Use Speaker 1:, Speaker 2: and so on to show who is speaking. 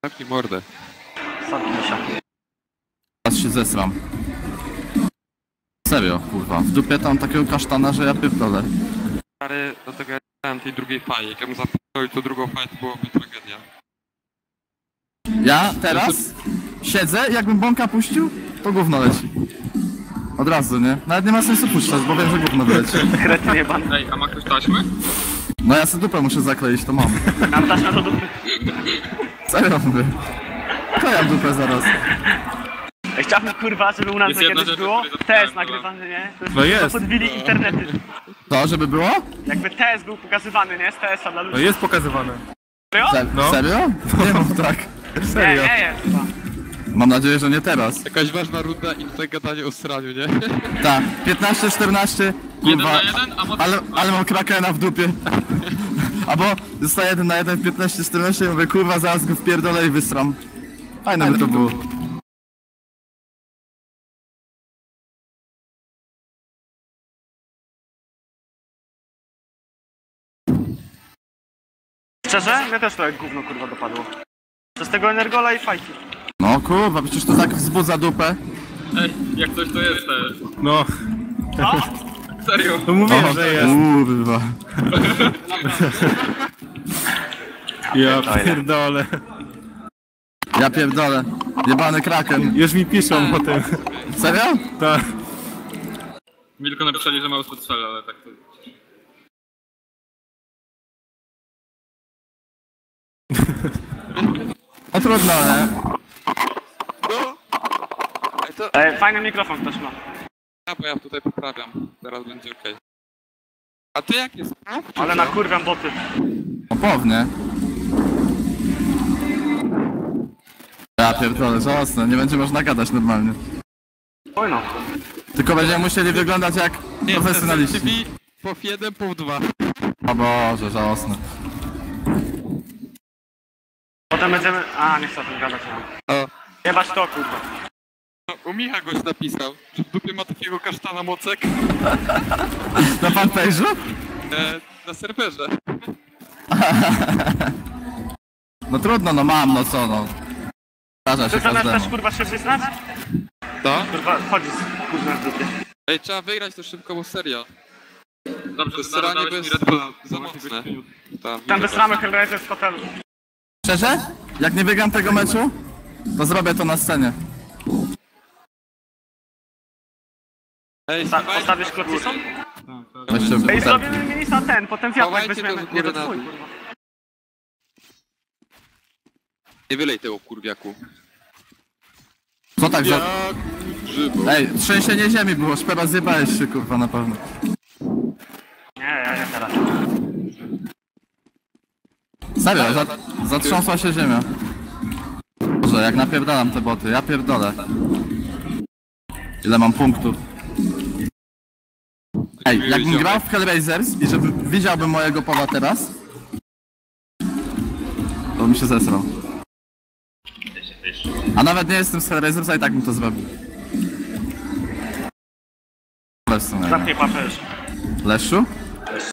Speaker 1: Zamknij mordę.
Speaker 2: Zamknij się.
Speaker 3: Teraz się zesram. Serio, kurwa. W dupie tam takiego kasztana, że ja pierdolę.
Speaker 1: Stary, dlatego ja dałem tej drugiej fali. Jak ja bym zapisał tą drugą falę, to byłoby tragedia.
Speaker 3: Ja teraz siedzę, jakbym bąka puścił, to gówno leci. Od razu, nie? Nawet nie ma sensu puszczać, bo wiem, że gówno wyleci.
Speaker 2: Kretyn jebany.
Speaker 1: Ej, a ma ktoś taśmy?
Speaker 3: No ja sobie dupę muszę zakleić, to mam.
Speaker 2: Mam taśmę do dupy.
Speaker 3: Serio mówię. Klejam dupę zaraz.
Speaker 2: Chciałbym kurwa, żeby u nas
Speaker 1: Jest
Speaker 2: to
Speaker 1: jedna
Speaker 2: kiedyś
Speaker 1: rzecz,
Speaker 2: było.
Speaker 1: o której zapomniałem,
Speaker 2: TS nagrywany, nie? To
Speaker 4: No jest.
Speaker 2: To podbili internety.
Speaker 3: To, żeby było?
Speaker 2: Jakby TS był pokazywany, nie? Z TS-a dla
Speaker 4: No
Speaker 2: ludzi.
Speaker 4: jest pokazywane.
Speaker 2: Serio?
Speaker 4: No.
Speaker 3: Serio? Nie mów tak.
Speaker 2: Nie,
Speaker 4: Serio.
Speaker 2: nie jest chyba.
Speaker 3: Mam nadzieję, że nie teraz.
Speaker 1: Jakaś ważna runda i tutaj gadanie o sraniu, nie?
Speaker 3: Tak, 15-14,
Speaker 1: Jeden
Speaker 3: kurwa,
Speaker 1: na jeden, a moc...
Speaker 3: ale mam krakena w dupie. Albo zostaję 1 na 1 w 15-14 i mówię, kurwa, zaraz go wpierdolę i wysram. Fajne by to było.
Speaker 2: Szczerze? Mnie też trochę gówno kurwa dopadło. Przez tego energola i fajki.
Speaker 3: No kurwa, przecież to tak wzbudza dupę.
Speaker 1: Ej, jak coś to jest
Speaker 4: No,
Speaker 2: No?
Speaker 1: Serio?
Speaker 4: to mówię, że jest.
Speaker 3: Kurwa.
Speaker 4: Ja pierdolę.
Speaker 3: Ja pierdolę. Jebany kraken.
Speaker 4: Już mi piszą o tym.
Speaker 3: Serio?
Speaker 4: Tak.
Speaker 1: Mi tylko napisali, że mało spod ale tak to...
Speaker 3: No trudno, nie?
Speaker 1: Ej, to...
Speaker 2: Fajny mikrofon ktoś ma.
Speaker 1: Ja, bo ja tutaj poprawiam. Teraz będzie okej. A ty jak jest?
Speaker 2: Ale nakurwiam boty.
Speaker 3: No pewnie. Ja pierdolę, żałosne. Nie będzie można gadać normalnie.
Speaker 2: Oj no.
Speaker 3: Tylko będziemy musieli wyglądać jak profesjonaliści.
Speaker 1: TV po 1, po 2.
Speaker 3: O Boże, żałosne.
Speaker 2: Potem będziemy... A, nie chcę o tym gadać. No.
Speaker 1: O.
Speaker 2: Jebać to kurwa.
Speaker 1: No, u Micha goś napisał, że w dupie ma takiego kasztana mocek
Speaker 3: Na fanpage'u?
Speaker 1: na serwerze.
Speaker 3: No trudno, no mam, no co no. Zdarza się
Speaker 2: Ty zamiast też
Speaker 3: każdemu.
Speaker 2: kurwa się przyznać?
Speaker 1: To?
Speaker 2: Kurwa, chodzi z kurwa w dupie.
Speaker 1: Ej, trzeba wygrać to szybko, bo serio. Dobrze, to staranie bez za mocne.
Speaker 2: Tam wysramy Hellraiser z hotelu.
Speaker 3: Szczerze? Jak nie wygram tego meczu, to zrobię to na scenie.
Speaker 1: Ej,
Speaker 2: Postawisz klocicą?
Speaker 3: Weźcie
Speaker 2: Ej,
Speaker 3: ten.
Speaker 2: zrobimy minisa ten, potem wiatrak
Speaker 1: Chowajcie
Speaker 2: weźmiemy.
Speaker 1: to z
Speaker 2: Nie
Speaker 1: góry
Speaker 2: to
Speaker 1: na
Speaker 2: twój
Speaker 1: dół.
Speaker 2: kurwa.
Speaker 1: Nie wylej tego kurwiaku.
Speaker 3: Co tak za...
Speaker 1: Jak grzybo.
Speaker 3: Ej, trzęsienie ziemi było, szpera zjebałeś się kurwa na pewno.
Speaker 2: Nie, ja nie teraz.
Speaker 3: Serio, zatrząsła się ziemia. Boże, jak napierdalam te boty, ja pierdolę. Ile mam punktów? Ej, jakbym grał w Hellraisers i żeby widziałbym mojego pola teraz, to bym się zesrał. A nawet nie jestem z Hellraisers, a i tak bym to zrobił. Ale w sumie.
Speaker 2: Zamknij papę już.
Speaker 3: Leszu?